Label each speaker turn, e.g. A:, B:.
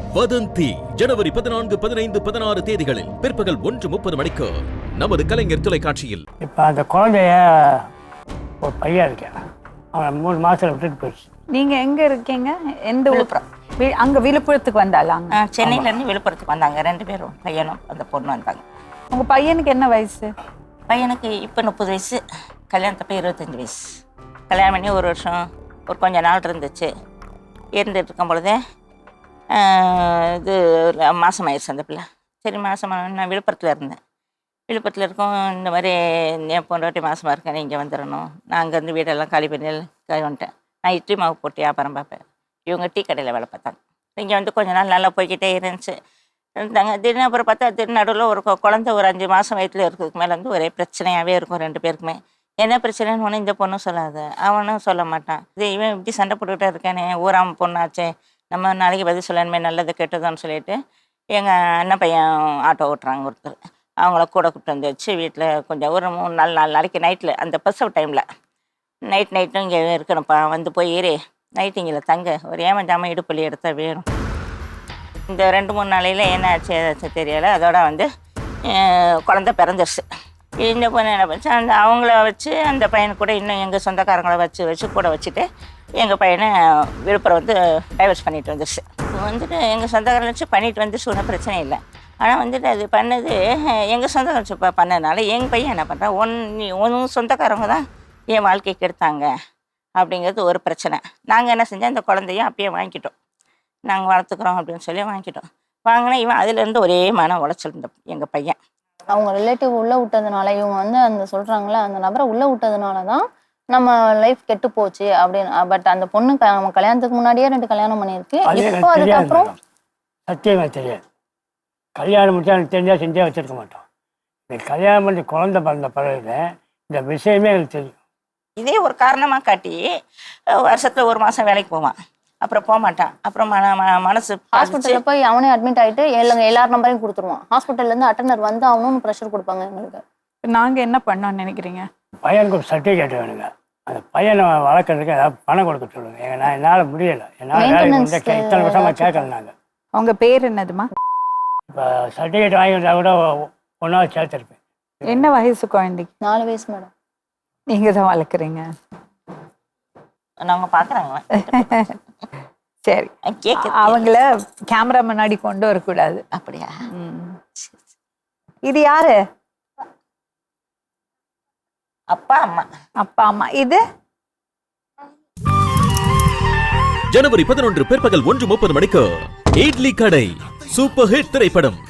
A: வதந்தி ஜனவரி 14, 15, 16 தேதிகளில் பிற்பகல் 1:30 மணிக்கு நமது கலைஞர் தொலைக்காட்சியில்.
B: இப்போ அந்த குழந்தைய ஒரு பையன் இருக்கேன், அவன் 3 மாசத்துல விட்டுட்டு போயிடுச்சு.
C: நீங்க எங்க இருக்கீங்க? எந்த விழுப்புரம்? அங்க விழுப்புரத்துக்கு வந்தாலாங்க?
D: சென்னையில இருந்து விழுப்புரத்துக்கு வந்தாங்க 2 பேரும், பையனும் அந்த பொண்ணு வந்தாங்க.
C: உங்க பையனுக்கு என்ன வயசு?
D: பையனுக்கு இப்போ 30 வயசு, கல்யாணத்தப்ப 25 வயசு. கல்யாணம் பண்ணி 1 வருஷம் ஒரு கொஞ்ச நாள் இருந்துச்சு. இருந்துட்டு இருக்கும் பொழுதே இது மாதம் ஆயிடுச்சு அந்த பிள்ளை. சரி, மாதமாக நான் விழுப்புரத்தில் இருந்தேன். விழுப்புரத்தில் இருக்கோம், இந்த மாதிரி என் பொண்டாட்டி மாதமாக இருக்கேன், இங்கே வந்துடணும். நான் அங்கேருந்து வீடெல்லாம் காலி பண்ணி வந்துட்டேன். நான் இட்லி மாவு போட்டு வியாபாரம் பார்ப்பேன். இவங்க டீ கடையில் வேலை பார்த்தாங்க. இங்கே வந்து கொஞ்ச நாள் நல்லா போய்கிட்டே இருந்தாங்க. திடீர்னு அப்புறம் பார்த்தா திருநடுவில் ஒரு குழந்தை ஒரு 5 மாதம் வயிற்றில் இருக்கிறதுக்கு மேலே வந்து ஒரே பிரச்சனையாகவே இருக்கும் 2 பேருக்குமே. என்ன பிரச்சனைன்னு ஒன்று இந்த பொண்ணும் சொல்லாது, அவனும் சொல்ல மாட்டான். இது இவன் இப்படி சண்டை போட்டுக்கிட்டே இருக்கானே, ஊராம பொண்ணாச்சே, நம்ம நாளைக்கு பதில் சொல்லணுமே, நல்லது கெட்டதுன்னு சொல்லிட்டு எங்கள் அண்ணன் பையன் ஆட்டோ ஓட்டுறாங்க ஒருத்தர். அவங்கள கூட கூப்பிட்டு வந்து வச்சு வீட்டில் கொஞ்சம் ஒரு 3-4 நாளைக்கு நைட்டில் அந்த பஸ்ஸப் டைமில் நைட்டும் இங்கே இருக்கணும்ப்பா, வந்து போய் ஏறி நைட்டு இங்கே தங்க, ஒரு ஏமாஞ்சாமல் இடுப்பள்ளி எடுத்தால் வேணும். இந்த 2-3 நாளையில் என்ன ஆச்சு ஏதாச்சும் தெரியலை. அதோட வந்து குழந்தை பிறந்துருச்சு. இந்த பொண்ணு என்ன பண்ணிச்சு, அவங்கள வச்சு அந்த பையனை கூட இன்னும் எங்கள் சொந்தக்காரங்களை வச்சு கூட வச்சுட்டு எங்கள் பையனை விழுப்புரம் வந்து டைவர்ஸ் பண்ணிட்டு வந்துடுச்சு. வந்துட்டு எங்கள் சொந்தக்காரங்களை வச்சு பண்ணிட்டு வந்துச்சு, ஒன்றும் பிரச்சனை இல்லை. ஆனால் வந்துட்டு அது பண்ணது எங்கள் சொந்தக்காரங்க வச்சு பண்ணதுனால எங்கள் பையன் என்ன பண்ணுறான், ஒன்று சொந்தக்காரங்க தான் என் வாழ்க்கைக்கு எடுத்தாங்க அப்படிங்கிறது ஒரு பிரச்சனை. நாங்கள் என்ன செஞ்சோம், அந்த குழந்தையும் அப்பயே வாங்கிக்கிட்டோம், நாங்கள் வளர்த்துக்குறோம் அப்படின்னு சொல்லி வாங்கிக்கிட்டோம். வாங்கினா இவன் அதுலேருந்து ஒரே மன உளைச்சல் இருந்த எங்கள் பையன்.
E: அவங்க ரிலேட்டிவ் உள்ளே விட்டதுனால, இவங்க வந்து அந்த சொல்கிறாங்களே அந்த நபரை உள்ளே விட்டதுனால தான் நம்ம லைஃப் கெட்டு போச்சு அப்படின்னு. பட் அந்த பொண்ணு நம்ம கல்யாணத்துக்கு முன்னாடியே 2 கல்யாணம் பண்ணியிருக்கு. இப்போ அதுக்கப்புறம்
B: சத்தியமாக தெரியாது. கல்யாணம் முடிச்சா எனக்கு தெரிஞ்சால் செஞ்சே வச்சிருக்க மாட்டோம். இந்த கல்யாணம் பண்ணி குழந்தை பிறந்த பிறகு இந்த விஷயமே எனக்கு தெரியும்.
D: இதே ஒரு காரணமாக காட்டி வருஷத்தில் 1 மாதம் வேலைக்கு போவான், அப்புறம் போக மாட்டான். அப்புறம் மனசு
E: ஹாஸ்பிட்டலில் போய் அவனே அட்மிட் ஆகிட்டு எல்லார் நம்பரையும் கொடுத்துருவான். ஹாஸ்பிட்டல்லேருந்து அட்டெண்டர் வந்து அவனும் ப்ரெஷர் கொடுப்பாங்க எங்களுக்கு.
C: நாங்கள் என்ன பண்ணோன்னு நினைக்கிறீங்க?
B: பையனுக்கு ஒரு சர்டிஃபிகேட் வேணுங்க. அந்த பையனை வளர்க்குறதுக்கு ஏதாவது பணம் கொடுக்க சொல்லுங்க. நான் என்னால் முடியலை, என்னால் இத்தனை வருஷமாக கேட்கல. நாங்கள்
C: உங்கள் பேர் என்னதுமா?
B: இப்போ சர்டிஃபிகேட் வாங்கி வந்தால் கூட ஒன்றாவது சேர்த்துருப்பேன்.
C: என்ன வயசு குழந்தைக்கு?
E: 4 வயசு மேடம்.
C: நீங்கள் தான் வளர்க்குறீங்க?
D: நாங்கள் பார்க்குறாங்க.
C: சரி, அவங்கள கேமரா முன்னாடி கொண்டு வரக்கூடாது.
D: அப்படியா?
C: இது யாரு?
D: அப்பா அம்மா.
C: அப்பா அம்மா. இது
A: ஜனவரி 11 பிற்பகல் 1:30 மணிக்கு இட்லி கடை சூப்பர் ஹிட் திரைப்படம்.